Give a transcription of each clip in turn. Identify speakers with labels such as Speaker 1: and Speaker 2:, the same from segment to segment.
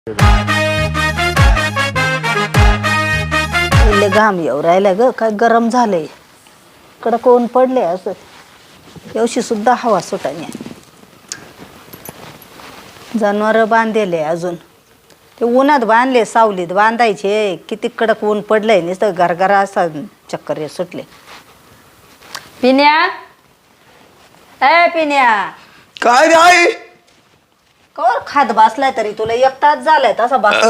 Speaker 1: पहिले घाम येऊ राहिला ग, काय गरम झालंय. कडक ऊन पडले असं. एवशी सुद्धा हवा सुटाने. जनावर बांधले अजून. ते उन्हात बांधले, सावलीत बांधायचे. किती कडक ऊन पडलंय, नुसतं गरगरा असा चक्कर सुटले. पिन्या, ए पिन्या,
Speaker 2: काय रे आई?
Speaker 1: कवर खात बसलाय तरी तुला एक तास झालाय तसा बस.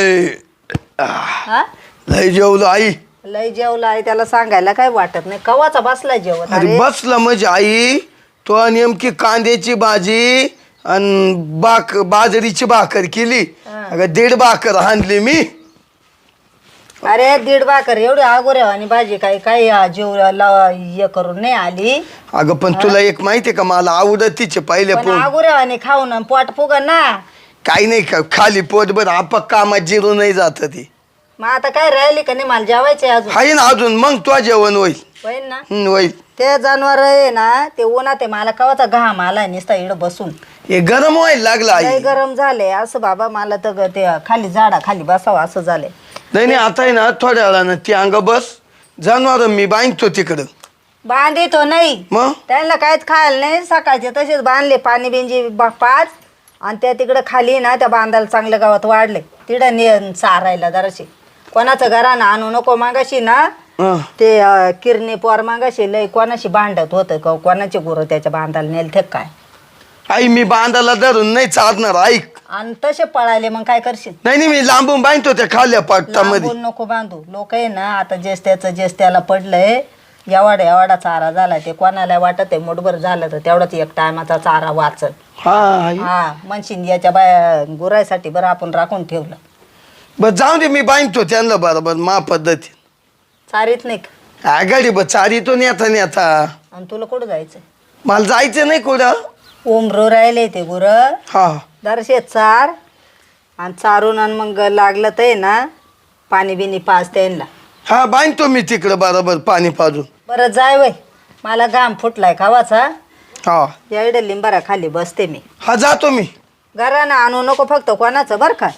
Speaker 2: लय जेवलो आई.
Speaker 1: लय जेवला आहे त्याला सांगायला काय वाटत नाही. कवाचा बसलाय जेवत.
Speaker 2: अरे बसला म्हणजे आई, तो नेमकी कांद्याची भाजी आणि बाजरीची भाकर केली. अगं 1.5 भाकर आणली मी.
Speaker 1: अरे 1.5 भाकर एवढी आगोऱ्या आणि भाजी काय काय जीव हे करून नाही आली.
Speaker 2: अगं पण तुला एक माहितीये का, मला आवडत तिचे पहिले पोट.
Speaker 1: आगोऱ्या आणि खाऊन पोट फुग ना.
Speaker 2: काही नाही का, खाली पोट बर आपक कामात जिरू नाही जात ती.
Speaker 1: मग आता काय राहिली का नाही, मला जेवायचे अजून.
Speaker 2: हाय ना अजून, मग तो जेवण होईल.
Speaker 1: होईल ना.
Speaker 2: होईल.
Speaker 1: ते जनावर आहे ना, ते उन्हात आहे. मला कवाचा घाम आलाय नुसता इकडं बसून.
Speaker 2: हे गरम व्हायला लागला आई.
Speaker 1: गरम झाले असं बाबा. मला तर ते खाली झाडा खाली बसावं असं झालंय.
Speaker 2: नाही आता आहे ना, थोड्या वेळानं ती अंग बस. जनावर मी बांधतो तिकडं.
Speaker 1: बांधितो नाही
Speaker 2: मग
Speaker 1: त्यांना काहीच खायला नाही. सकाळचे तसेच बांधले, पाणी बिंजी 5 आणि त्या तिकडं खाली ना त्या बांधायला चांगल्या गावात वाढले. तिकडं ने चारायला जराशी. कोणाचं घरानं आणू नको. मागाशी ना ते किरणे पोर मागाशी लय कोणाशी भांडत होतं का, कोणाचे गुरु त्याच्या बांधायला नेल ते काय.
Speaker 2: आई मी बांधायला धरून नाही चालणार, ऐक.
Speaker 1: आणि तसे पळाले मग काय करशील.
Speaker 2: नाही मी लांबून बांधतो त्या खाल्ल्या पाटामध्ये.
Speaker 1: लांबून नको बांधू. लोक आहे ना आता जेस त्याला पडलंय. एवढा चारा झाला. ते कोणाला वाटत आहे मुठभर झालं तर तेवढाच एक टायमाचा चारा वाचल. हा म्हणशील याच्या बाया गुरायसाठी बरं आपण राखून ठेवलं.
Speaker 2: बस जाऊ दे, मी बांधतो त्यांना बरोबर मा पद्धती.
Speaker 1: चारीत नाही का
Speaker 2: आगाडी बस चारितो नेता.
Speaker 1: आणि तुला कुठं जायचंय.
Speaker 2: मला जायचं नाही कुठं.
Speaker 1: उमरो राहिले ते गुर.
Speaker 2: हा
Speaker 1: जराशे चार आणि चारून आणि मग लागलं तर ना पाणी बिनी पाच त्यांना.
Speaker 2: हा बांधतो मी तिकडं बरोबर पाणी पाजून.
Speaker 1: बरं जाय वय. मला घाम फुटलाय खावाचा.
Speaker 2: हा
Speaker 1: या इकडे लिंबारा खाली बसते मी.
Speaker 2: हा जातो मी.
Speaker 1: घरानं आणू नको फक्त. कोणाचं बरं का.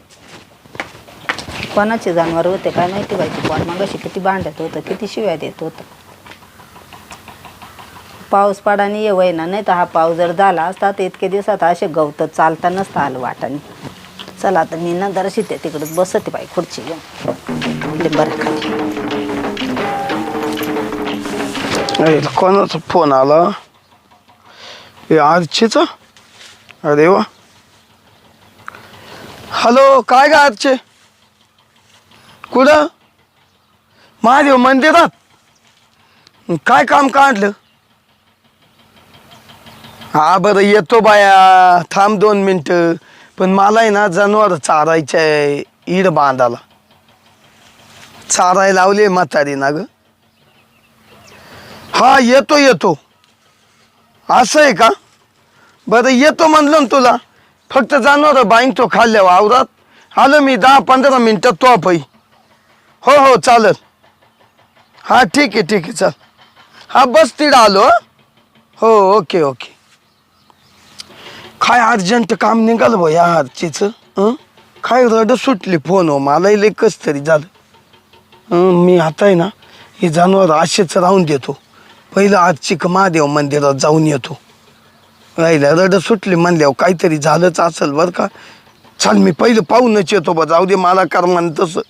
Speaker 1: कोणाचे जनावर होते काय माहिती पाहिजे. कोण मग अशी किती भांडत होतं, किती शिव्या देत होतं. पाऊस पाडाने ये वय ना. नाही तर हा पाऊस जर झाला असता तर इतके दिवसात असे गवत चालता नसतं आलं वाटाने. चला आता मी ना जराशी ते तिकडं बसते बाई खुर्ची घेऊन लिंबारा खाली.
Speaker 2: कोणाचा फोन आला. हे आरचेचा. अरे वा. हॅलो, काय गा आरचे. कुठं. महादेव मंदिरात. काय काम काढलं. हा बरं येतो बाया. थांब 2 मिनटं. पण मला आहे ना जनावर चारायचं आहे. ईड बांधाला चारायला लावले म्हातारी ना ग. हा येतो. असं आहे का. बरं येतो म्हणलं ना तुला. फक्त जनावर बांधतो खाल्ल्या वावरात. आलो मी 10-15 मिनटात तो पाई. हो चालेल. हा ठीक आहे चल. हा बस तिकडं आलो. हो ओके. काय अर्जंट काम निघालं बा या आरचीचं. काय रड सुटली फोन. मला लय कस तरी झालं. मी आता आहे ना हे जनावर असेच राहून देतो. पहिलं आजची महादेव मंदिरात जाऊन येतो. राहिला रड सुटली म्हणल्यावर काहीतरी झालंच असेल बरं का. चाल मी पहिलं पाहूनच येतो बा. जाऊ दे मला कर म्हण तसं.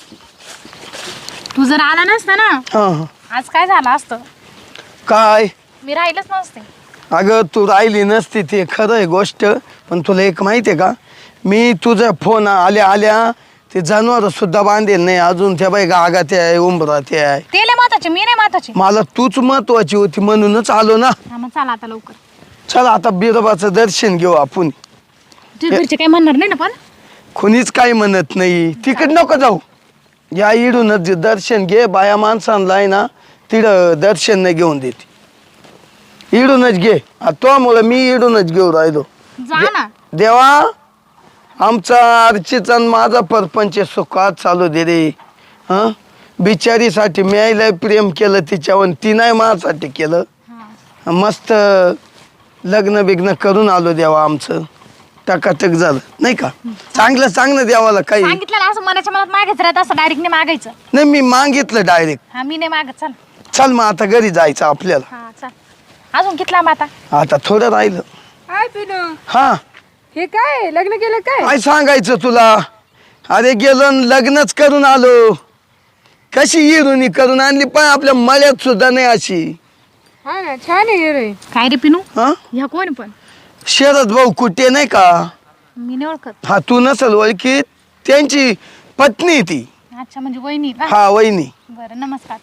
Speaker 3: तू जर आला नसता ना आज काय झालं असतं.
Speaker 2: काय
Speaker 3: मी राहिलंच नसते.
Speaker 2: अगं तू राहिली नसती ते खरं आहे गोष्ट. पण तुला एक माहिती आहे का, मी तुझा फोन आल्या ते जनावर सुद्धा बांधेल नाही अजून. त्या बाई गागात आहे, उंबरात आहे.
Speaker 3: ते लय महत्वाचे, मी नाही महत्वाची.
Speaker 2: मला तूच महत्वाची होती म्हणूनच आलो ना.
Speaker 3: मग चला आता लवकर.
Speaker 2: चला आता बिरोबाचं दर्शन घेऊ आपण.
Speaker 3: तुझ्या घरचे काही म्हणणार नाही ना. पण
Speaker 2: कोणीच काही म्हणत नाही. तिकड नको जाऊ. या इडूनच दर्शन घे. बाया माणसांना आहे ना तिकडं दर्शन नाही घेऊन देते. इडूनच घे. त्यामुळं मी इडूनच घेऊ राहिलो.
Speaker 3: जा ना.
Speaker 2: देवा आमचा अर्चित माझा परपंच सुखात चालू दे रे. बिचारीसाठी मी आईला प्रेम केलं तिच्यावर. ती नाही माझ्यासाठी केलं. मस्त लग्न बिग्न करून आलो देवा आमचं. टकाटक झालं नाही का चांगलं सांग ना देवाला काही
Speaker 3: सांगितलं ना असं मनाच्या मनात मागायचं राहत असं डायरेक्ट नाही मागायचं.
Speaker 2: नाही मी मागितलं डायरेक्ट.
Speaker 3: हा मी नाही मागत. चल
Speaker 2: चल मग आता घरी जायचं आपल्याला.
Speaker 3: हा चल. अजून कितला मग आता?
Speaker 2: आता थोडं राहिलं.
Speaker 4: हाय पिनू,
Speaker 2: हा
Speaker 4: हे काय लग्न केलं काय?
Speaker 2: काय सांगायचं तुला. अरे गेलो न लग्नच करून आलो. कशी हिरोनी करून आणली पण आपल्या मळ्यात सुद्धा नाही अशी.
Speaker 4: हा ना, छान आहे हिरोईन.
Speaker 3: काय रे पिनू?
Speaker 2: हा
Speaker 3: ह्या कोण पण?
Speaker 2: शरद भाऊ कुठे नाही का.
Speaker 3: मी नाही ओळखत.
Speaker 2: हा तू नसल ओळखी त्यांची पत्नी आहे ती.
Speaker 3: अच्छा म्हणजे वहिनी का?
Speaker 2: हा वहिनी.
Speaker 3: बरं नमस्कार.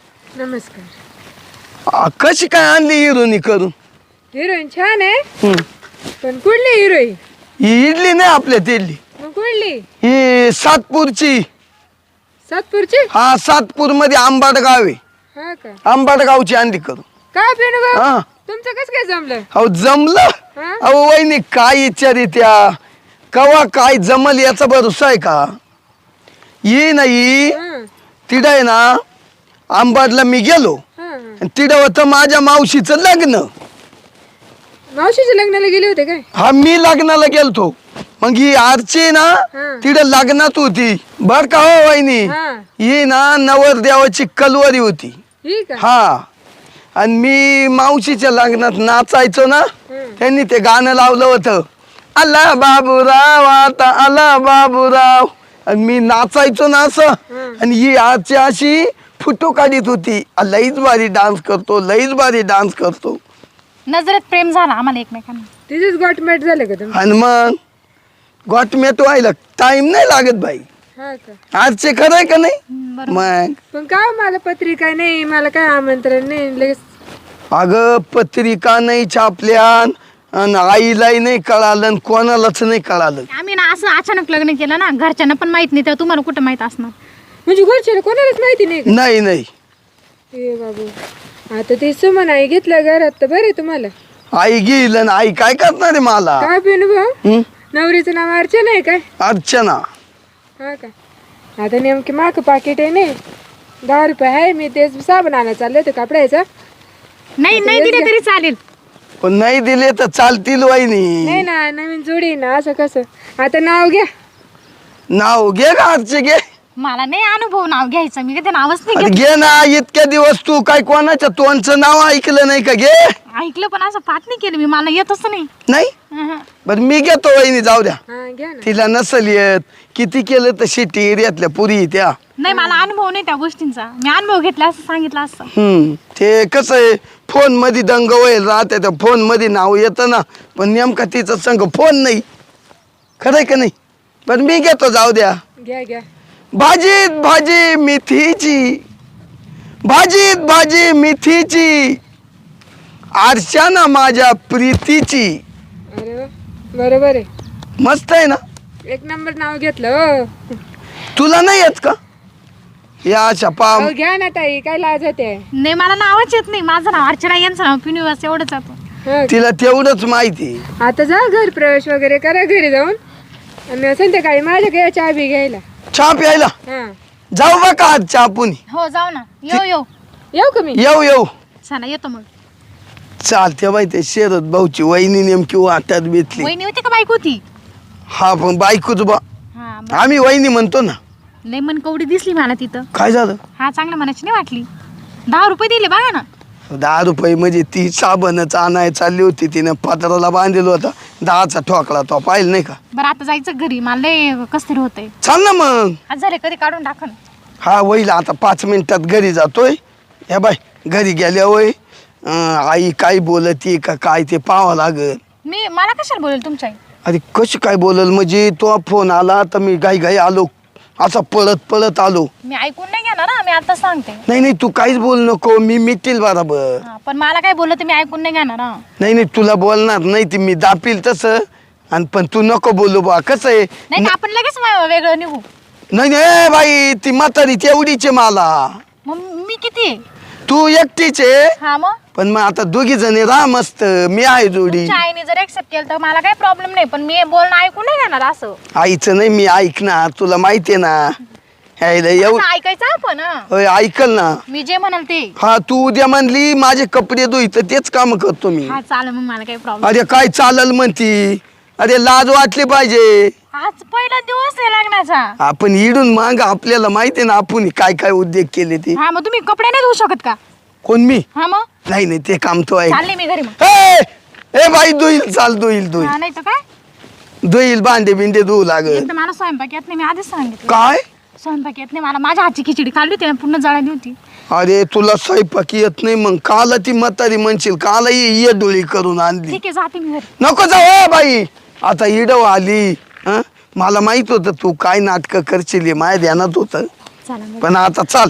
Speaker 4: नमस्कार.
Speaker 2: कशी काय आणली हिरोनी करून.
Speaker 4: हिरोईन छान आहे,
Speaker 2: हम्म.
Speaker 4: पण कुठली हिरोईन?
Speaker 2: ही इडली नाही आपल्या तिडली.
Speaker 4: मग कुठली?
Speaker 2: ही सातपूरची.
Speaker 4: सातपूरची?
Speaker 2: हा सातपूर मध्ये आंबाड गाव आहे.
Speaker 4: हा का?
Speaker 2: आंबाड गावची आणली करून.
Speaker 4: काय पिनू भाऊ,
Speaker 2: हा
Speaker 4: तुमचं कसं काय जमलं?
Speaker 2: अहो जमलं.
Speaker 4: हा?
Speaker 2: अहो वहिनी काय विचारी त्या कवा काय जमल याचा भरोसा आहे का. ये नाही
Speaker 4: हा,
Speaker 2: तिडं आहे ना आंबाडला मी गेलो
Speaker 4: हा, हा.
Speaker 2: आणि तिडं होतं माझ्या मावशीचं लग्न.
Speaker 4: मावशीच्या लग्नाला गेले होते काय?
Speaker 2: हा मी लग्नाला गेलतो. मग ही आरची ना
Speaker 4: हा.
Speaker 2: तिडं लग्नात होती बर का हो वहिनी.
Speaker 4: हा.
Speaker 2: ही ना नवरदेवाची कलवरी होती.
Speaker 4: ही का?
Speaker 2: हा आणि मी मावशीच्या लग्नात नाचायचो ना त्यांनी ते गाणं लावलं होतं आला बाबूराव आता आला बाबूराव आणि मी नाचायचो ना असं. आणि ही आजची अशी फोटो काढीत होती लईच भारी डान्स करतो लईच भारी डान्स करतो.
Speaker 3: नजरेत प्रेम झाला आम्हाला एकमेकांना.
Speaker 4: तिथेच गॉटमॅट झालं का तुम्ही?
Speaker 2: आणि मग गोटमेट व्हायला टाइम नाही लागत बाई.
Speaker 4: हा का?
Speaker 2: आजचे खरंय का नाही.
Speaker 3: बरोबर.
Speaker 2: मग
Speaker 4: पण काय मला पत्रिका नाही, मला काय आमंत्रण नाही लगेच.
Speaker 2: अगं पत्रिका नाही छापल्यान आणि आईलाही नाही कळालं आणि कोणालाच नाही कळालं.
Speaker 3: आम्ही ना असं अचानक लग्न केलं ना घरच्यांना पण माहित नाही तेव्हा तुम्हाला कुठं माहित असणार.
Speaker 4: म्हणजे घरच्याला कोणालाच माहिती नाही का?
Speaker 2: नाही नाही
Speaker 4: हे बाबू, आता ते सुमन आई घेतलं घरात तर बरे तुम्हाला.
Speaker 2: आई गेल आणि आई काय करणार आहे मला.
Speaker 4: काय पिनू भाऊ,
Speaker 2: हं?
Speaker 4: नवरीचं नाव अर्चना आहे काय?
Speaker 2: अर्चना.
Speaker 4: हा का? आता नेमके माग पाकिट आहे नाही, 10 रुपये आहे. मी तेच साबण आणायला चालले होते कपड्याचा.
Speaker 3: नाही नाही दिले तरी चालेल.
Speaker 2: पण नाही दिले तर चालतील वहिनी.
Speaker 4: नाही ना, नवीन जोडी आहे ना, असं कसं. आता नाव घ्या.
Speaker 2: नाव घे का अर्चे घे.
Speaker 3: मला नाही अनुभव नाव घ्यायचं. मी कधी नावच नाही
Speaker 2: अरे
Speaker 3: घेत.
Speaker 2: घे ना इतक्या दिवस तू काय कोणाच्या तोंडचं नाव ऐकलं नाही का घे.
Speaker 3: ऐकलं पण असं पाठ नाही केलं मी. मला येतच नाही.
Speaker 2: नाही
Speaker 3: अहं.
Speaker 2: बर मी घेतो वहिनी जाऊ द्या.
Speaker 4: हा घ्या ना.
Speaker 2: तिला नसल येत किती केलं तर शेती एरियातल्या पुरी त्या.
Speaker 3: नाही मला अनुभव नाही त्या गोष्टींचा. मी अनुभव घेतला असं सांगितलं असतं.
Speaker 2: ते कसं आहे फोन मध्ये दंग होईल राहते त्या फोन मध्ये नाव येतं ना पण नेमका तिचा संग फोन नाही. खरंय का नाही. पण मी घेतो जाऊ द्या.
Speaker 4: घ्या घ्या.
Speaker 2: भाजीत भाजी मेथीची भाजीत भाजी मेथीची आरशाना माझ्या प्रीतीची.
Speaker 4: अरे वा, बरोबर आहे.
Speaker 2: मस्त आहे ना.
Speaker 4: एक नंबर नाव घेतलं हो.
Speaker 2: तुला नाही येत का या अशा पाम.
Speaker 4: अहो, घ्या ना ताई, काय लाज होते.
Speaker 3: नाही मला नावच येत नाही. माझं नाव अर्चना यांचं नाव पिनिवास एवढंच जातं.
Speaker 4: हा.
Speaker 2: तिला तेवढंच माहिती.
Speaker 4: आता जा घर प्रवेश वगैरे करा घरी जाऊन, आणि संध्याकाळी माझ्या चहा बी घ्यायला.
Speaker 2: चहा प्यायला
Speaker 4: हा,
Speaker 2: जाऊ बा का आज चहा पुनी.
Speaker 3: हो जाऊ ना. येऊ
Speaker 4: येऊ का मी?
Speaker 2: येऊ येऊ.
Speaker 3: चला येतो मग.
Speaker 2: चालते बाई ते शरद भाऊची वहिनी नेमकी वाटत बेतली.
Speaker 3: वहिनी होती का बाईक होती?
Speaker 2: हा पण बायकोच बा
Speaker 3: हा
Speaker 2: आम्ही वहिनी म्हणतो ना.
Speaker 3: लय मन कवडी दिसली मला तिथं.
Speaker 2: काय झालं.
Speaker 3: हा चांगल्या मनाची नाही वाटली. 10 रुपये दिले बघा ना.
Speaker 2: 10 रुपये म्हणजे ती साबणच आणाय चालली होती तिनं पत्राला बांधलेलं होता 10चा ठोकळा तो पाहिलं नाही का.
Speaker 3: बरं आता जायचं घरी. मला लय कस तरी होतंय.
Speaker 2: चाल ना मग.
Speaker 3: आज झाले कधी काढून टाकन.
Speaker 2: हा होईल आता 5 मिनिटात घरी जातोय. या बाय घरी गेल्या होय आई काय बोलती का काय ते पाहावं लागल.
Speaker 3: मला कशाला बोलेल तुमच्या आई?
Speaker 2: अरे कशी काय बोलल म्हणजे तो फोन आला तर मी घाई घाई आलो असा पळत पळत आलो.
Speaker 3: मी ऐकून नाही घेणार ना. मी आता सांगते.
Speaker 2: नाही नाही तू काहीच बोल नको मी मिटेल बरोबर.
Speaker 3: हा, पण मला काय बोललं तर मी ऐकून नाही घेणार हा.
Speaker 2: नाही नाही तुला बोलणार नाही ती मी दापील तसं आणि पण तू नको बोलू बा कसं आहे.
Speaker 3: नाही तर आपण लगेच वेगळं निघू.
Speaker 2: नाही नाही बाई ती म्हातारी तेवढीच आहे मला.
Speaker 3: मग मी किती आहे?
Speaker 2: तू एकटीच आहे
Speaker 3: हा मग
Speaker 2: पण मग आता दोघी जणी राहा मस्त मी आहे जोडी.
Speaker 3: तुमच्या आईने जर एक्सेप्ट केलं तर मला काही प्रॉब्लेम नाही. पण मी बोलणं ऐकून नाही घेणार असं.
Speaker 2: आईचं नाही मी ऐकणार तुला माहितीये ना. यायला
Speaker 3: असं ऐकायचं आपण हा.
Speaker 2: होय ऐकल ना.
Speaker 3: मी जे म्हणाल ते.
Speaker 2: हा तू उद्या म्हणली माझे कपडे धुई तर तेच काम करतो मी.
Speaker 3: हा चालेल मग मला काही प्रॉब्लेम.
Speaker 2: अरे काय चालल म्हणती अरे लाज वाटली पाहिजे.
Speaker 3: आज पहिला दिवस आहे लग्नाचा.
Speaker 2: आपण इडून माग आपल्याला माहिती आहे ना आपण काय काय उद्योग केले ते.
Speaker 3: हा मग तुम्ही कपडे नाही धुवू शकत का?
Speaker 2: कोण मी?
Speaker 3: हा मग
Speaker 2: नाही नाही ते काम तो आहे.
Speaker 3: चालले मी घरी मग.
Speaker 2: ए बाई धुईल चाल धुईल
Speaker 3: हा नाही तर काय,
Speaker 2: धुईल भांडे बिंडे धुवू लागल.
Speaker 3: एकदा मला स्वयंपाक येत नाही, मी आधीच सांगितलं.
Speaker 2: काय?
Speaker 3: स्वयंपाक येत नाही मला, माझ्या हातची खिचडी खाल्ली होती ना, पूर्ण जळाली होती.
Speaker 2: अरे तुला स्वयंपाक येत नाही मग काला ती म्हातारी म्हणशील काला ये डोळी करून आणली.
Speaker 3: ठीक आहे जाते मी घरी.
Speaker 2: नको जाऊ बाई आता इडव आली. हं? मला माहित होतं तू काय नाटक करशील हे माझ्या ध्यानात होत,
Speaker 3: चला मग.
Speaker 2: पण आता चाल.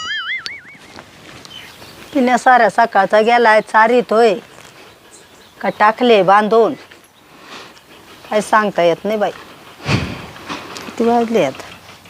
Speaker 1: तिने साऱ्या सकाळचा गेलाय चारीतोय का टाकले बांधून, काय सांगता येत नाही बाई. किती वाजले आता?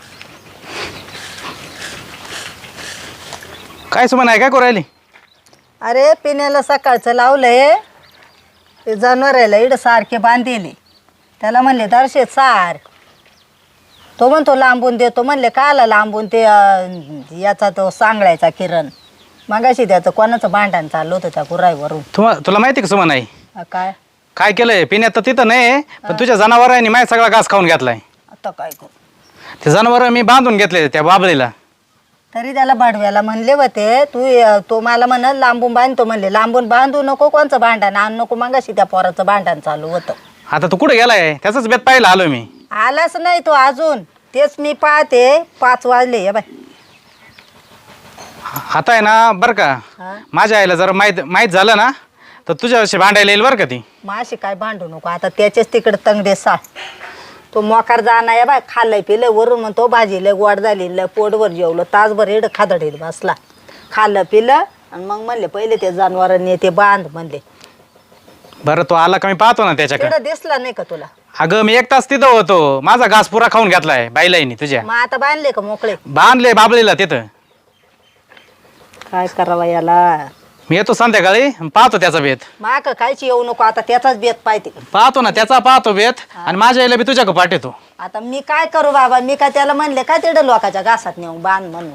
Speaker 5: काय सुमन आहे, काय करू राहिली?
Speaker 1: अरे पिण्याला सकाळचं लावलंय, ते जनावराला इड सारखे बांधले. त्याला म्हणले दर्शे सार, तो म्हणतो लांबून देतो. म्हणले काला लांबून ते याचा तो सांगळायचा किरण. मगाशी त्याचं कोणाचं भांडण चाललं होतं त्या गुराईवरून.
Speaker 5: तुला माहिती का सुमन आहे
Speaker 1: काय
Speaker 5: काय केलंय? पिण्यात तर तिथं नाही, पण तुझ्या जनावरांनी माझा सगळा घास खाऊन घेतलाय.
Speaker 1: आता काय करू?
Speaker 5: ते जनावर मी बांधून घेतले त्या बाबळीला.
Speaker 1: तरी त्याला भाडव्याला म्हणले होते तो मला म्हणत लांबून बांधतो. म्हणले लांबून बांधू नको, कोणचं भांडण आण नको. मगाशी त्या पोराचं भांडण चालू होतं.
Speaker 5: आता तू कुठे गेलाय? त्याचाच बेत पाहिला आलो मी.
Speaker 1: आलाच नाही तो अजून, तेच मी पाहते. 5 वाजले या बाय.
Speaker 5: आता आहे ना बरं का,
Speaker 1: हा.
Speaker 5: माझ्या आईला जरा माहीत झालं ना तर तुझ्याशी भांडायला येईल बरं का ती.
Speaker 1: माशी काय भांडू नको आता, त्याचेच तिकडे तंगडे सा. तो मोकार जाणार या बाय. खाल्लंय पिलंय वरून म्हणतो भाजी लय गोड झाली, लय पोटभर जेवलं. तासभर एड खादडील बसला. खाल्लं पिलं आणि मग म्हणले पहिले ते जनावरांनी ते बांध म्हणले.
Speaker 5: बरं तो आला का मी पाहतो ना त्याच्याकडे.
Speaker 1: तिकडं दिसला नाही का तुला?
Speaker 5: अगं मी 1 तास तिथं होतो, माझा घास पुरा खाऊन घेतलाय बाईलाईनी तुझ्या.
Speaker 1: मग आता बांधले का मोकळे?
Speaker 5: बांधले बाबळीला तिथं.
Speaker 1: काय करावा याला?
Speaker 5: मी येतो संध्याकाळी पाहतो त्याचा बेत.
Speaker 1: माक कायची येऊ नको आता, त्याचाच बेत पाहिजे.
Speaker 5: पाहतो ना त्याचा पाहतो बेत, आणि माझ्या आईला बी तुझ्याकडे पाठवतो.
Speaker 1: आता मी काय करू बाबा? मी काय त्याला म्हणले काय तिकडं लोकांच्या घासात नेऊन बांध म्हणून?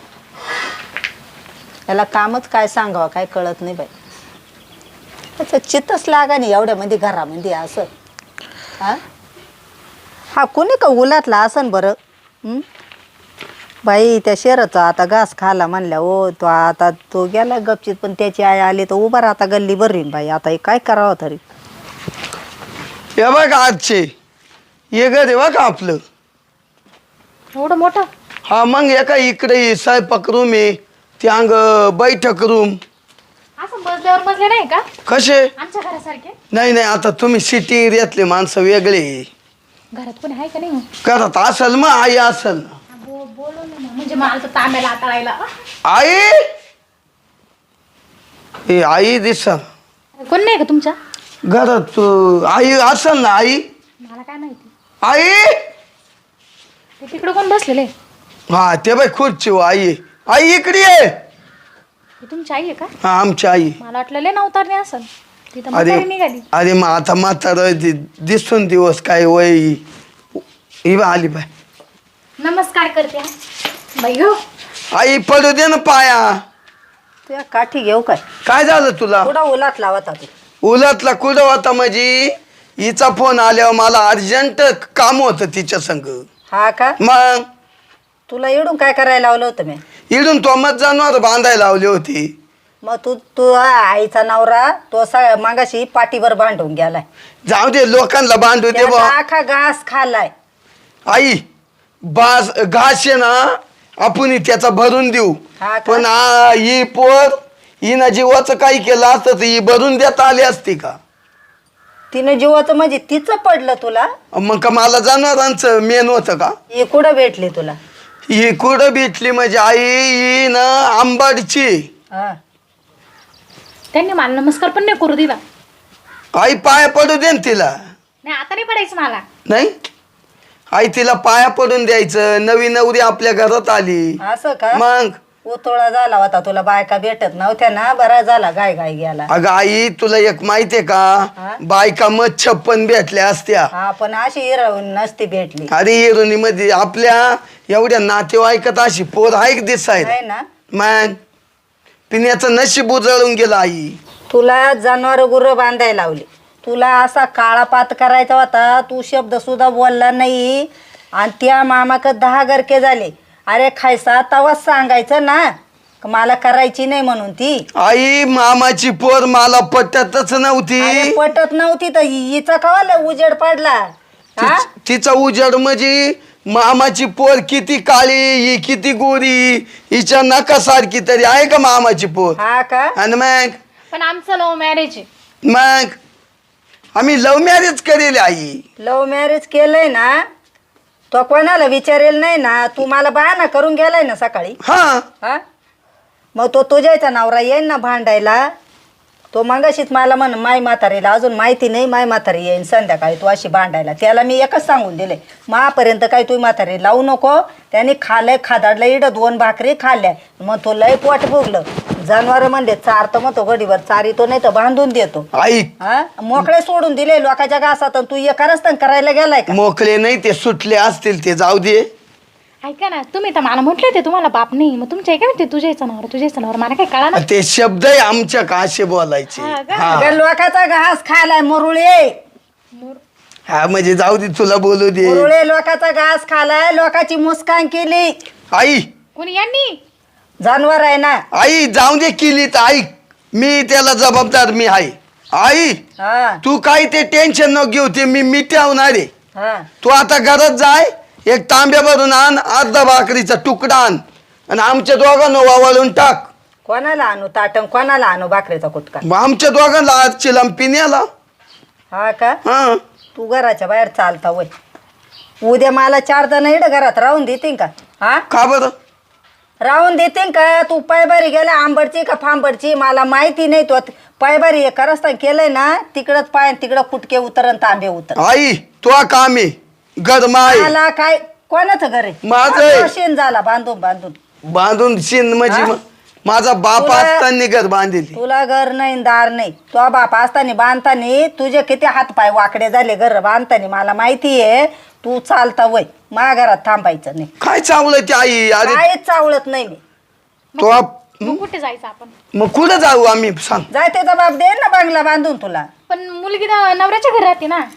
Speaker 1: याला कामच काय सांगावं काय कळत नाही बाई. त्याचं चित्तच लागा नाही एवढ्यामध्ये घरामध्ये असं. हा कोणी का उलातला असन बरं? बाई त्या शेराचा आता घास खाला म्हणल्या हो तो. आता तो गेला गपचित, पण त्याची आई आली तर उभा राहता गल्ली भरीन बाई. आता हे काय करावं तरी?
Speaker 2: हे बघ आजचे ये घर बघ आपलं.
Speaker 3: एवढं मोठं?
Speaker 2: हा मग एका इकडे स्वयंपाक रूम आहे, ते अंग बैठक रूम.
Speaker 3: असं बसल्यावर बसले नाही का
Speaker 2: कसे?
Speaker 3: आमच्या घरासारखे?
Speaker 2: नाही नाही आता तुम्ही सिटी एरियातले माणसं वेगळे.
Speaker 3: घरात कोणी आहे का नाही?
Speaker 2: करत असल मग आई असल ना.
Speaker 3: बोलव ना, म्हणजे मला तर तांब्याला आताळायला.
Speaker 2: आई ए आई दिसा
Speaker 3: कोण नाही का तुमच्या
Speaker 2: घरात? आई असल ना आई.
Speaker 3: मला काय माहिती.
Speaker 2: आई
Speaker 3: ते तिकडे कोण बसलेले?
Speaker 2: हा ते बाई खुर्ची हो आई. आई इकडे ये.
Speaker 3: ही तुमची आई आहे का?
Speaker 2: हा आमची आई.
Speaker 3: मला वाटलं लय नवतारणी असेल. तिथं
Speaker 2: अरे
Speaker 3: म्हातारी निघाली.
Speaker 2: अरे मग आता म्हातारा दिसून दिवस काय वय. ही बा आली बाय.
Speaker 3: नमस्कार करते. बाई हो.
Speaker 2: आई पडू दे ना पाया.
Speaker 1: त्या काठी घेऊ काय?
Speaker 2: काय झालं तुला?
Speaker 1: कुठं उलात लावत होती?
Speaker 2: उलटला कुठं होता म्हणजे हिचा फोन आल्यावर मला अर्जंट काम होतं तिच्या संग.
Speaker 1: हा का?
Speaker 2: मग
Speaker 1: तुला इडून काय करायला लावलं होतं मी?
Speaker 2: इडून तो मत जनावर बांधायला लावली होती.
Speaker 1: मग तू आईचा नवरा तो मागाशी पाठीवर बांधून गेलाय.
Speaker 2: जाऊ दे लोकांना बांधू दे
Speaker 1: त्याचा
Speaker 2: बा.
Speaker 1: आखा घास खाल्लाय.
Speaker 2: आई बास घास आहे ना आपण त्याचा भरून देऊ.
Speaker 1: हा का?
Speaker 2: पण ही पोर हिनं जीवाचं काही केलं असतं तर ही भरून देता आली असती का?
Speaker 1: तिनं जीवाचं म्हणजे तिचं पडलं तुला?
Speaker 2: मग का मला जनावरांचं मेन होतं का?
Speaker 1: हे कुठं भेटली तुला?
Speaker 2: ही कुठं भेटली म्हणजे आई ही ना आंबाडची.
Speaker 1: हा.
Speaker 3: त्यांनी मला नमस्कार पण नाही करू दिला.
Speaker 2: आई पाया पडू दे ना तिला.
Speaker 3: नाही आता नाही पडायचं मला.
Speaker 2: नाही आई तिला पाया पडून द्यायचं. नवी नवरी आपल्या घरात आली.
Speaker 1: असं का?
Speaker 2: मग
Speaker 1: उतोळा झाला होता तुला, बायका भेटत नव्हत्या ना, बरा झाला गाय गाय गेला.
Speaker 2: अगं आई तुला एक माहितीये
Speaker 1: हा?
Speaker 2: का बायका मग 56 भेटल्या असत्या.
Speaker 1: हा पण अशी हिरवून नसती भेटली.
Speaker 2: अरे इरोनी मध्ये आपल्या एवढ्या नातेवाईकात अशी पोर आहे दिसायला.
Speaker 1: आहे ना?
Speaker 2: मग पिण्याचं नशीब उजळून गेलं आई.
Speaker 1: तुला जनावर गुरं बांधायला लावली, तुला असा काळापात करायचा होता, तू शब्द सुद्धा बोलला नाही. आणि त्या मामाक 10 गरके झाले. अरे खायचा तवाच सांगायचं ना का मला करायची नाही म्हणून ती.
Speaker 2: आई मामाची पोर मला पटतच नव्हती.
Speaker 1: अरे पटत नव्हती तर हिचा कवाला उजेड पडला हा?
Speaker 2: तिचा उजेड म्हणजे मामाची पोर किती काळी ही किती गोरी, हिच्या नका सारखी तरी आहे का मामाची पोर?
Speaker 1: हा का?
Speaker 2: आणि मग
Speaker 3: पण आमचं लव्ह मॅरेज आहे.
Speaker 2: मग आम्ही लव्ह मॅरेज करेल आई.
Speaker 1: लव्ह मॅरेज केलंय ना, तो कोणाला विचारेल नाही ना. तू मला बहाणा करून गेलाय ना सकाळी.
Speaker 2: हा
Speaker 1: हा मग तो तुझ्याचा नवरा येईन ना भांडायला. तो मगाशीच मला म्हण माय म्हातारीला अजून माहिती नाही, माय म्हातारी येईन संध्याकाळी तू अशी भांडायला. त्याला मी एकच सांगून दिले, मापर्यंत काही तू म्हातारी लावू नको. त्याने खाल्लंय खादाडलं इडं 2 भाकरी खाल्ल्या. मग तो लय पोट भोगलं. जनावर म्हणले चारतो मग तो गडीवर चारितो नाही तर बांधून देतो.
Speaker 2: आई
Speaker 1: हा मोकळे सोडून दिले लोकांच्या घासात. तू एकारच करायला गेलाय का?
Speaker 2: मोकळे नाही ते सुटले असतील ते जाऊ दे.
Speaker 3: ऐका ना, तुम्ही तर मला म्हटले ते तुम्हाला बाप नाही, मग तुमच्या काय म्हणते तुझ्या नवर मला काय कळा ना.
Speaker 2: ते शब्द आहे आमच्या का असे बोलायचे.
Speaker 3: हा का?
Speaker 2: हा
Speaker 1: अगं लोकांचा घास खायलाय मुरुळे.
Speaker 2: हा म्हणजे जाऊ दे तुला बोलू दे.
Speaker 1: मुरुळे लोकांचा घास खालाय, लोकांची मुस्कान केली.
Speaker 2: आई
Speaker 3: कोणी यांनी?
Speaker 1: जानवर आहे ना.
Speaker 2: आई जाऊ दे केली तर ऐक, मी त्याला जबाबदार मी आहे. आई
Speaker 1: हा
Speaker 2: तू काही ते टेन्शन नको घेऊ, ते मी मिटवणार आहे.
Speaker 1: हा
Speaker 2: तू आता घरात जाय, एक तांब्या भरून आण, अर्धा भाकरीचा तुकडा आण आणि आमच्या दोघांना वावळून टाक.
Speaker 1: कोणाला आणू ताटण, कोणाला आणू भाकरीचा कुटका?
Speaker 2: मग आमच्या दोघांना आज चिलम पिण्याला.
Speaker 1: हा का?
Speaker 2: हा
Speaker 1: तू घराच्या बाहेर चालता वय. उद्या मला 4 जण इकडं घरात राहून देतील का? हा
Speaker 2: का बरं?
Speaker 1: राहून देतील का? तू पायबारी गेला आंबडची का फांबडची मला माहिती नाही. तो पायबारी हे करस्ता केलंय ना, तिकडंच पाय तिकडं कुटके उतर तांबे उतर.
Speaker 2: आई तो काम आहे गरमाय
Speaker 1: मला काय कोणाचं घर आहे?
Speaker 2: माझं आहे.
Speaker 1: माझं शेण झाला बांधून बांधून.
Speaker 2: बांधून शिन म्हणजे
Speaker 1: हा?
Speaker 2: माझा बाप
Speaker 1: तुला-
Speaker 2: असताना घर बांधली.
Speaker 1: तुला घर नाही दार नाही. तो बाप असताना बांधताना तुझे किती हात पाय वाकडे झाले घर बांधताना मला माहिती आहे. तू चालता वय, माझ्या घरात थांबायचं नाही.
Speaker 2: काय चावलं ते आई? अरे
Speaker 1: काहीच चावलत नाही मी.
Speaker 2: तो
Speaker 3: मग कुठे जायचं आपण?
Speaker 2: मग कुठं जाऊ आम्ही सांग?
Speaker 1: जाय त्याचा बाप दे ना बंगला बांधून तुला.
Speaker 3: पण मुलगी तर नवऱ्याच्या घरी राहते ना.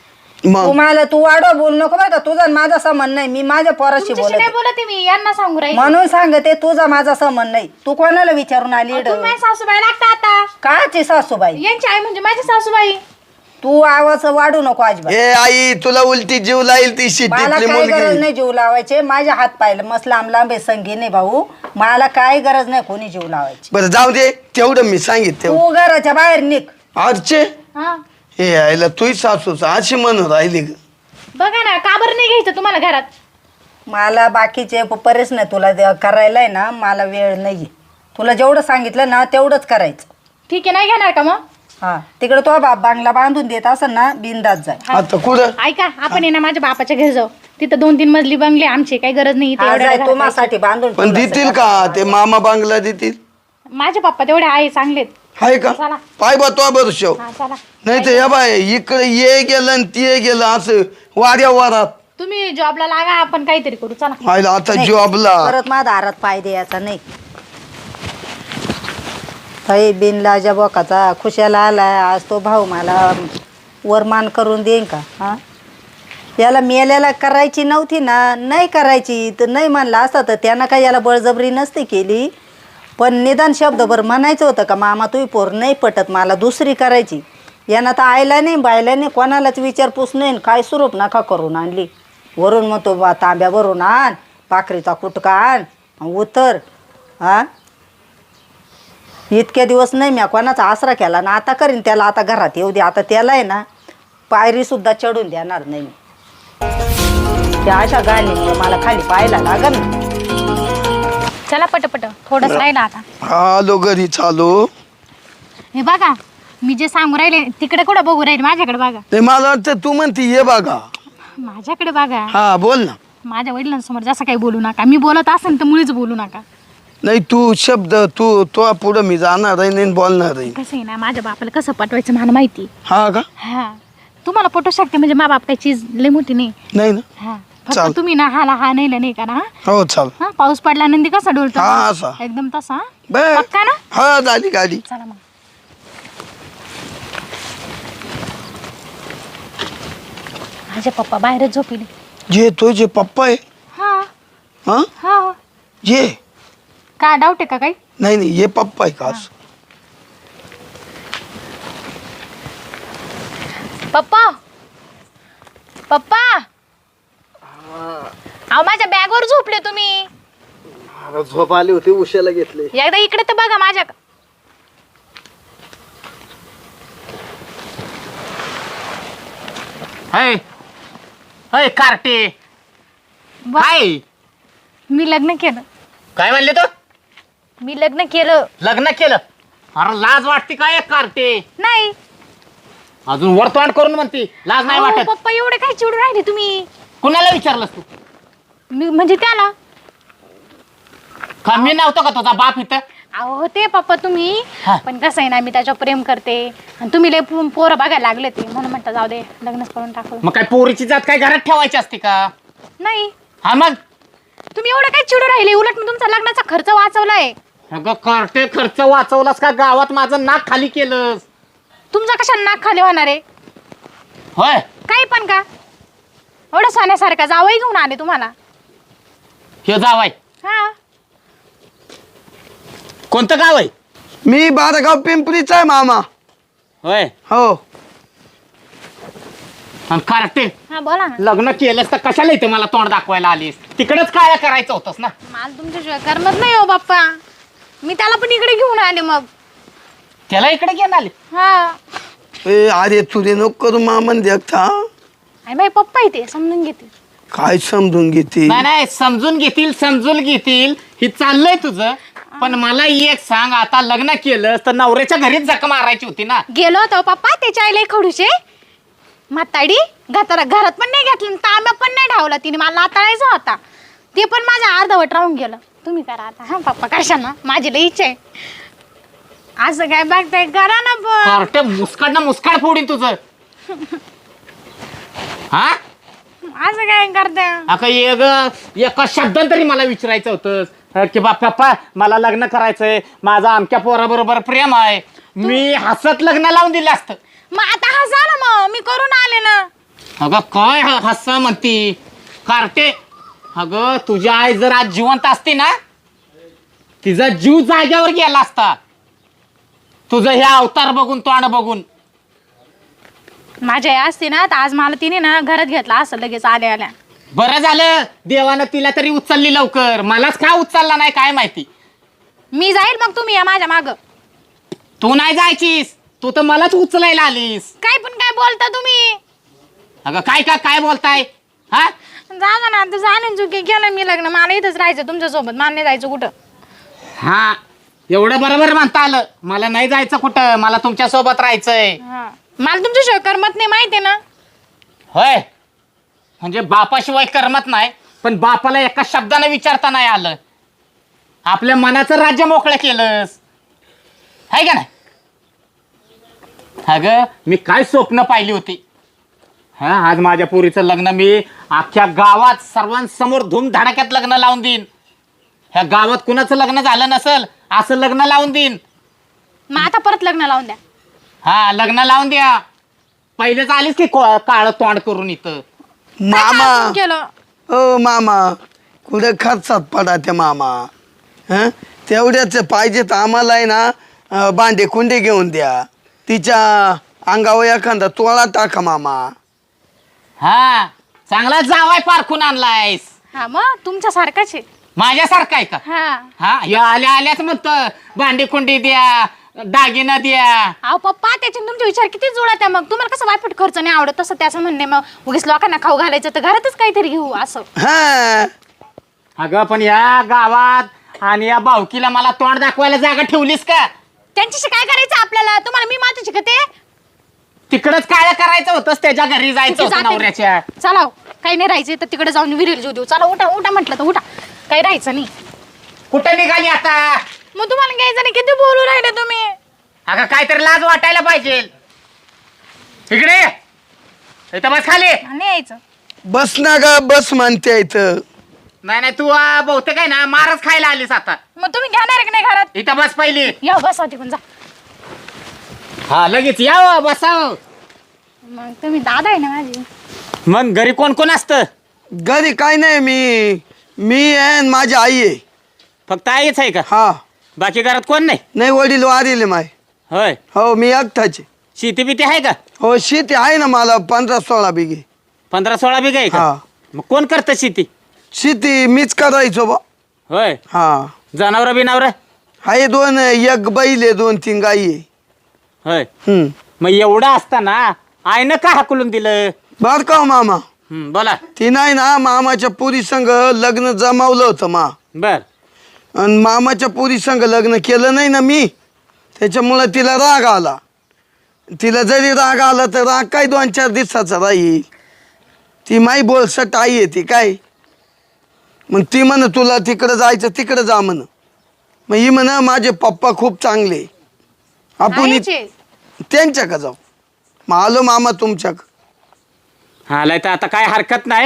Speaker 2: मग
Speaker 1: तुम्हाला तू वाढव बोल नको बरं का. तुझा आणि माझा संबंध नाही. मी माझ्या पोराशी
Speaker 3: तुमच्याशी नाही
Speaker 1: बोलत
Speaker 3: बोलते मी, यांना सांगू राहील.
Speaker 1: म्हणून सांगते तुझा माझा संबंध नाही. तू कोणाला विचारून आली इकडं?
Speaker 3: तुम्ही सासूबाई लागता आता.
Speaker 1: काची सासूबाई?
Speaker 3: यांची आई म्हणजे माझी सासूबाई.
Speaker 1: तू आवाज वाढू नको अजिबात.
Speaker 2: ए आई तुला उलटी जीव लाईल ती
Speaker 1: मला
Speaker 2: शिट्टीतली
Speaker 1: काही गरज
Speaker 2: मुलगी.
Speaker 1: नाही जीव लावायचे. माझ्या हात पाहिलं मस्त लांब लांब आहे संगी नाही भाऊ. मला काही गरज नाही कोणी जीव लावायची.
Speaker 2: बरं जाऊ दे, तेवढं मी सांगित तेवढं.
Speaker 1: तू घराच्या बाहेर निघ.
Speaker 2: आजचे
Speaker 3: हा
Speaker 2: हे आईला तुही सासूच अशी म्हणून राहिली ग.
Speaker 3: बघा ना, का बरं नाही घ्यायचं तुम्हाला घरात?
Speaker 1: मला बाकीचे परेच नाही तुला करायला आहे ना. मला वेळ नाही. तुला जेवढं सांगितलं ना तेवढंच करायचं.
Speaker 3: ठीक आहे, नाही घेणार का मग?
Speaker 1: हा तिकडे तो बाप बांगला बांधून देत असेल ना बिंदात जाय.
Speaker 2: आता कुठं?
Speaker 3: ऐका, आपण आहे ना माझ्या बापाच्या घरी जाऊ. तिथं 2-3 मजली बंगले आमचे, काही गरज नाही इथे
Speaker 1: हा,
Speaker 3: एवढ्या
Speaker 1: जाय
Speaker 3: घरात
Speaker 1: तू
Speaker 3: राहायची.
Speaker 1: माझ्यासाठी बांधून
Speaker 2: पण
Speaker 1: ठेवलं
Speaker 2: देतील
Speaker 1: असेल.
Speaker 2: का ते मामा बांगला देतील?
Speaker 3: माझे पप्पा तेवढे आहे चांगलेत.
Speaker 2: आहे का?
Speaker 3: चला.
Speaker 2: पाय बा तो बरं शेव.
Speaker 3: हा चला.
Speaker 2: नाही तर या बाय इकडे ये गेलं आणि ते गेलं असं वाऱ्या वारात.
Speaker 3: तुम्ही जॉबला लागा, आपण काहीतरी करू. चला.
Speaker 2: आईला आता
Speaker 1: नाही,
Speaker 2: जॉबला.
Speaker 1: परत माझा दारात पाय द्यायचा नाही. काही बिनलाजा बोकाचा खुशाला आलाय आज तो भाऊ मला वरमान करून देईन का? हा याला मेल्याला करायची नव्हती ना, नाही करायची तर नाही म्हणला असता तर त्यानं काय याला बळजबरी नसती केली. पण निदान शब्दभर म्हणायचं होतं का मामा तुम्ही पोर नाही पटत मला दुसरी करायची. यानं तर आयला नाही बायला नाही कोणालाच विचारपूस नाही. काय स्वरूप नका करून आणली. वरून मग तो तांब्या भरून आण, भाकरीचा कुटका आण, उतर. हा इतक्या दिवस नाही मी कोणाचा आसरा केला ना, आता करीन त्याला. आता घरात येऊ दे. आता त्याला आहे ना पायरी सुद्धा चढून देणार नाही मी. त्या अशा गाणी मला खाली पाहायला लागल ना.
Speaker 3: चला पटपट, थोडंच राहिलं आता.
Speaker 2: आलो घरी चालू.
Speaker 3: हे बघा, मी जे सांगू राहिले तिकडे कुठं बघू राहिले, माझ्याकडे बघा.
Speaker 2: ते मला वाटतं तू म्हणती ये बघा.
Speaker 3: माझ्याकडे बघा.
Speaker 2: हा बोल ना.
Speaker 3: माझ्या वडिलांसमोर जसं काही बोलू नका. मी बोलत असेल तर मुळीच बोलू नका.
Speaker 2: नाही तू शब्द तू तो पुढं मी जाणार आहे नाही बोलणार आहे.
Speaker 3: कसं आहे ना, माझ्या बापाला कसं पटवायचं मला माहिती.
Speaker 2: हा का?
Speaker 3: हा तुम्हाला पटवू शकते म्हणजे मा बाप काही चीज लय मोठी नाही.
Speaker 2: नाही ना.
Speaker 3: हा
Speaker 2: चाल.
Speaker 3: फक्त तुम्ही ना हाला हा नाही का ना.
Speaker 2: हो चाल.
Speaker 3: हा पाऊस पडल्यानंतर कसा डोलतो
Speaker 2: हा, असा.
Speaker 3: एकदम तसा.
Speaker 2: बर
Speaker 3: पक्का ना?
Speaker 2: हा झाली गाडी.
Speaker 3: चला मग. माझे पप्पा बाहेरच झोपिले.
Speaker 2: जे तुझे पप्पा आहे
Speaker 3: हा
Speaker 2: हा
Speaker 3: हा.
Speaker 2: जे
Speaker 3: काय डाऊट आहे का काही?
Speaker 2: नाही नाही ये पप्पा आहे का असं?
Speaker 3: पप्पा पप्पा अहो माझ्या बॅगवर झोपले तुम्ही.
Speaker 6: झोप आली होती उशाला घेतली.
Speaker 3: एकदा इकडे तर बघा माझ्या.
Speaker 5: हय हय कार्टे काय
Speaker 3: मी लग्न केलं.
Speaker 5: काय म्हणले तो?
Speaker 3: मी लग्न केलं.
Speaker 5: लग्न केलं? अरे लाज वाटते काय कार्टे?
Speaker 3: नाही.
Speaker 5: अजून वरतोंड करून म्हणते लाज नाही
Speaker 3: अहो,
Speaker 5: वाटत?
Speaker 3: पप्पा एवढे काय चिडून राहिले तुम्ही?
Speaker 5: कुणाला विचारलंस तू?
Speaker 3: मी म्हणजे त्याला.
Speaker 5: का मी नव्हतो का तुझा बाप इथं?
Speaker 3: अहो ते पप्पा तुम्ही
Speaker 5: हा.
Speaker 3: पण कसं आहे ना मी त्याच्यावर प्रेम करते आणि तुम्ही लय पोरं बघायला लागले ते म्हणून म्हणता जाऊ दे लग्नच करून टाकू.
Speaker 5: मग काय पोरीची जात काय घरात ठेवायची असते का?
Speaker 3: नाही
Speaker 5: हा मग
Speaker 3: तुम्ही एवढं काय चिडून राहिले उलट मी तुमचा लग्नाचा खर्च वाचवलाय.
Speaker 5: अगं कार्टे खर्च वाचवलास का गावात माझं नाक खाली केलंस?
Speaker 3: तुमचा कशा नाक खाली होणार आहे?
Speaker 5: होय
Speaker 3: काही पण का एवढं सोन्यासारखा जावई घेऊन आले तुम्हाला.
Speaker 5: हे जावाय
Speaker 3: हा
Speaker 5: कोणतं गाव आहे?
Speaker 2: मी बारागाव पिंपरीचा आहे मामा.
Speaker 5: होय
Speaker 2: हो
Speaker 5: आणि कार्टे
Speaker 3: हा बोला ना.
Speaker 5: लग्न केलंस तर कशाला इथे मला तोंड दाखवायला आलीस? तिकडेच काय करायचं होतंस ना.
Speaker 3: मला तुमच्याशिवाय करमत नाही हो बाप्पा. मी त्याला पण इकडे घेऊन आले मग.
Speaker 5: त्याला इकडे घेऊन आले?
Speaker 3: हा
Speaker 2: ए अरे तुझे नको करू मामन देखता.
Speaker 3: आणि माझे पप्पा इथे समजून घेते.
Speaker 2: काय समजून घेते?
Speaker 5: नाही नाही समजून घेतील हे चाललंय तुझं. पण मला एक सांग, आता लग्न केलं तर नवऱ्याच्या घरीच जख मारायची होती ना.
Speaker 3: गेलो होतो पप्पा त्याच्या आईला खडूशे म्हाताडी घरात पण नाही घेतलं तांब्या पण नाही ढावला तिने. मला नाताळायचा होता ते पण माझ्या अर्धवट राहून गेलं. तुम्ही करा आता. हा पप्पा कशा ना माझी लई इच्छा आहे. असं काय बघताय करा ना पण.
Speaker 5: कार्टे मुस्काड फोडीन तुझं. हा
Speaker 3: असं काय करताय?
Speaker 5: अका एका शब्दान तरी मला विचारायचं होतं की बाप्पा मला लग्न करायचंय, माझा आमच्या पोराबरोबर प्रेम आहे. मी हसत लग्न लावून दिलं असतं.
Speaker 3: मग आता हसा ना मग मी करून आले ना.
Speaker 5: अगं काय हसा म्हणती कार्टे? अगं तुझी आई जर आज जिवंत असती ना तिचा जीव जाग्यावर गेला असता. तुझं हे अवतार बघून तोंड बघून.
Speaker 3: माझी आई असते ना तर आज मला तिने ना घरात घेतला असं लगेच आल्या.
Speaker 5: बरं झालं देवानं तिला तरी उचलली लवकर. मलाच का उचलला नाही काय माहिती.
Speaker 3: मी जाईल मग तुम्ही या माझ्या माग.
Speaker 5: तू नाही जायचीस, तू तर मलाच उचलायला आलीस.
Speaker 3: काय पण काय बोलता तुम्ही?
Speaker 5: अगं काय बोलताय? हा
Speaker 3: जा ना आता जाणे चुकी केलं मी लग्न. मला इथंच राहायचं तुमच्यासोबत. मला नाही जायचं कुठं.
Speaker 5: हा एवढं बरोबर म्हणता आलं. मला नाही जायचं कुठं, मला तुमच्या सोबत राहायचंय.
Speaker 3: हा मला तुमच्याशिवाय करमत नाही माहिती आहे ना.
Speaker 5: होय म्हणजे बापाशिवाय करमत नाही. पण बापाला एका शब्दानं विचारता नाही आलं. आपल्या मनाचं राज्य मोकळं केलंस आहे का नाही? अगं मी काय स्वप्न पाहिली होती. हा आज माझ्या पोरीचं लग्न मी अख्ख्या गावात सर्वांसमोर धूमधडाक्यात लग्न लावून देईन. ह्या गावात कुणाचं लग्न झालं नसल असं लग्न लावून देईन.
Speaker 3: मग आता परत लग्न लावून द्या.
Speaker 5: हा लग्न लावून द्या. पहिलेच आलीस की काळ तोंड करून इथं.
Speaker 2: मामा
Speaker 3: काय केलं?
Speaker 2: ओ मामा कुठे खर्चात पडा ते मामा. हं तेवढ्याच पाहिजे तर आम्हाला आहे ना भांडे कुंडे घेऊन द्या. तिच्या अंगावर एखादा तोळा टाका मामा.
Speaker 5: हा चांगला जावाय पारखून आणलायस.
Speaker 3: हा मग तुमच्यासारखाच आहे.
Speaker 5: माझ्यासारखा आहे का?
Speaker 3: हा
Speaker 5: हा या आल्याच म्हणतं भांडी कुंडी द्या, दागिना द्या.
Speaker 3: अहो पप्पा त्याचे तुमचे विचार किती जुळत आहे. मग तुम्हाला कसं वायफट खर्च नाही आवडत तसं त्याचं म्हणणे. मग उगीच लोकांना खाऊ घालायचं तर घरातच काहीतरी घेऊ असं.
Speaker 2: हा
Speaker 5: अगं पण या गावात आणि या भावकीला मला तोंड दाखवायला जागा ठेवलीस का?
Speaker 3: त्यांच्याशी काय करायचं आपल्याला? तुम्हाला मी महत्वाची का ते?
Speaker 5: तिकडच काय करायचं होतंस, त्याच्या घरी जायचं
Speaker 3: कुठे
Speaker 5: होतं
Speaker 3: जाते?
Speaker 5: नवऱ्याच्या.
Speaker 3: चला हो. काही नाही राहायचं तर तिकडे जाऊन विहिरीला जीव देऊ. चला उठा उठा म्हटलं तर उठा. काही राहायचं नाही.
Speaker 5: कुठे निघाली आता?
Speaker 3: मग तुम्हाला घ्यायचं नाही. किती बोलू राहिले तुम्ही?
Speaker 5: अगं काहीतरी लाज वाटायला पाहिजे. इकडे इथं बस खाली.
Speaker 3: नाही यायचं.
Speaker 2: बस ना ग बस म्हणते इथं.
Speaker 5: नाही तू बहुतेक आहे ना मारच खायला आलीस आता.
Speaker 3: मग तुम्ही घेणार आहे की नाही घरात?
Speaker 5: इथं बस पहिली.
Speaker 3: या बसा तिकडून जा.
Speaker 5: हा लगेच या बसाव.
Speaker 3: मग तुम्ही दादा आहे ना माझी.
Speaker 5: मग घरी कोण कोण असतं?
Speaker 2: घरी काय नाही, मी आहे आणि माझी आई आहे.
Speaker 5: फक्त आईच आहे का?
Speaker 2: हा.
Speaker 5: बाकी घरात कोण नाही?
Speaker 2: नाही, वडील वारिले माय.
Speaker 5: होय.
Speaker 2: हो, मी एकटाचे.
Speaker 5: शेती बिती आहे का?
Speaker 2: हो, शेती आहे ना मला 15-16 बिघे.
Speaker 5: 15-16 बिघा आहे का?
Speaker 2: हा.
Speaker 5: मग कोण करतं शेती?
Speaker 2: शेती मीच करायचो बा.
Speaker 5: होय.
Speaker 2: हा.
Speaker 5: जनावर बिनावर?
Speaker 2: आहे 2, एक बैल आहे, 2-3 गाई आहे.
Speaker 5: होय.
Speaker 2: हम्म.
Speaker 5: मग एवढं असताना आईनं का हाकलून दिलं?
Speaker 2: बर का हो मामा,
Speaker 5: बोला.
Speaker 2: ती नाही ना मामाच्या पुरी संग लग्न जमावलं होतं मा.
Speaker 5: बर.
Speaker 2: आणि मामाच्या पुरी संग लग्न केलं नाही ना मी, त्याच्यामुळं तिला राग आला. तिला जरी राग आला तर राग काय 2-4 दिवसाचा राहील. ती माई बोलसट आई आहे ती काय. मग ती म्हण तुला तिकडं जायचं, तिकडं जा म्हण. मग ही म्हण माझे पप्पा खूप चांगले, आपण
Speaker 3: आईचे.
Speaker 2: त्यांच्या का जाऊ. मग आलो मामा तुमच्या.
Speaker 5: आलाय तर आता काय हरकत नाही.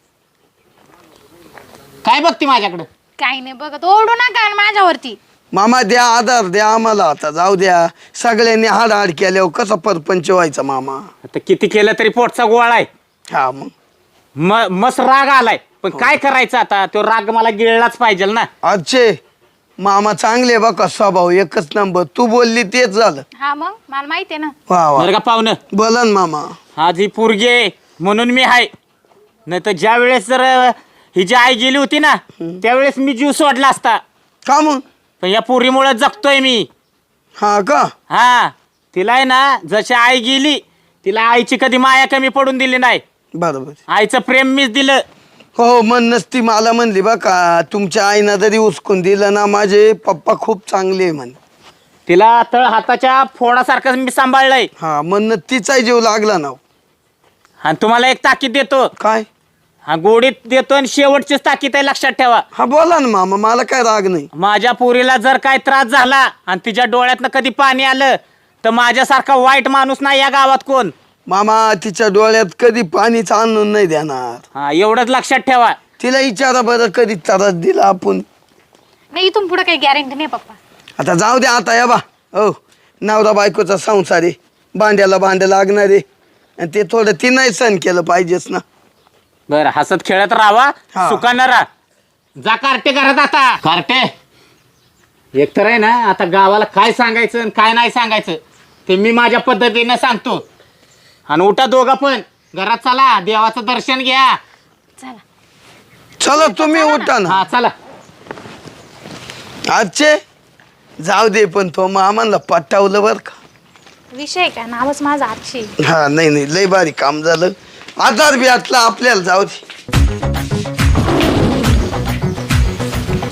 Speaker 5: काय बघती माझ्याकडं?
Speaker 3: काही नाही बघत, ओढू नका माझ्यावरती.
Speaker 2: मामा द्या आधार द्या आम्हाला, आता जाऊ द्या. सगळ्यांनी हाड केल्यावर कसा परपंच व्हायचा मामा.
Speaker 5: आता किती केलं तरी पोटचा गोळा आहे.
Speaker 2: हा मग
Speaker 5: मस्त राग आलाय, पण काय करायचं आता? तो राग मला गिळलाच पाहिजे ना.
Speaker 2: अच्छे मामा चांगले बघा, स्वभाव एकच नंबर. तू बोलली तेच झालं.
Speaker 3: हा मग मला माहिती आहे ना.
Speaker 2: वा वा.
Speaker 5: बरं का पाहुणं,
Speaker 2: बोला ना मामा.
Speaker 5: आज ही पोरगी आहे म्हणून मी आहे, नाही तर ज्या वेळेस जर ही जी आई गेली होती ना त्यावेळेस मी जीव सोडला असता.
Speaker 2: का मग?
Speaker 5: पण या पोरीमुळे जगतोय मी.
Speaker 2: हा का?
Speaker 5: हा. तिला आहे ना, जशी आई गेली तिला आईची कधी माया कमी पडून दिली नाही.
Speaker 2: बरोबर.
Speaker 5: आईचं प्रेम मीच दिलं.
Speaker 2: हो, मन नसती मला म्हणली बघा, तुमच्या आईनं जरी उचकून दिलं ना, माझे पप्पा खूप चांगले म्हण.
Speaker 5: तिला तळ हाताच्या फोडासारखं मी सांभाळलंय.
Speaker 2: हा, म्हणणं तिचा जीव लागला ना.
Speaker 5: आणि तुम्हाला एक ताकीद देतो.
Speaker 2: काय?
Speaker 5: हा, गोडीत देतो आणि शेवटचीच ताकीद आहे, लक्षात ठेवा.
Speaker 2: हा बोला ना मामा, मला काय राग नाही.
Speaker 5: माझ्या पोरीला जर काय त्रास झाला आणि तिच्या डोळ्यातनं कधी पाणी आलं तर माझ्यासारखा वाईट माणूस नाही या गावात कोण.
Speaker 2: मामा तिच्या डोळ्यात कधी पाणीच आणून नाही देणार.
Speaker 5: हा, एवढंच लक्षात ठेवा.
Speaker 2: तिला विचारा बरं, कधी त्रास दिला आपण.
Speaker 3: नाही, इथून पुढे काही गॅरंटी नाही पप्पा.
Speaker 2: आता जाऊ द्या आता. या बा हो, नवरा बायकोचा संसार आहे, भांड्याला भांडं लागणार आहे, आणि ते थोडं ती नाही सहन केलं पाहिजेच ना.
Speaker 5: बरं, हसत खेळत राहावा,
Speaker 2: हा.
Speaker 5: सुखानं राहा. जा कार्टे करत आता. कार्टे एकतर आहे ना, आता गावाला काय सांगायचं आणि काय नाही सांगायचं ते मी माझ्या पद्धतीनं सांगतो. आणि उठा दोघं पण, घरात चला, देवाचं दर्शन घ्या.
Speaker 3: चला.
Speaker 2: चला तुम्ही उठा ना.
Speaker 5: हा चला.
Speaker 2: आजचे जाऊ दे, पण तो मामाला पटावलं बरं का.
Speaker 3: विषय काय, नावच माझं आजशी.
Speaker 2: हा, नाही लय भारी काम झालं. आधार बी आतला आपल्याला, जाऊ दे.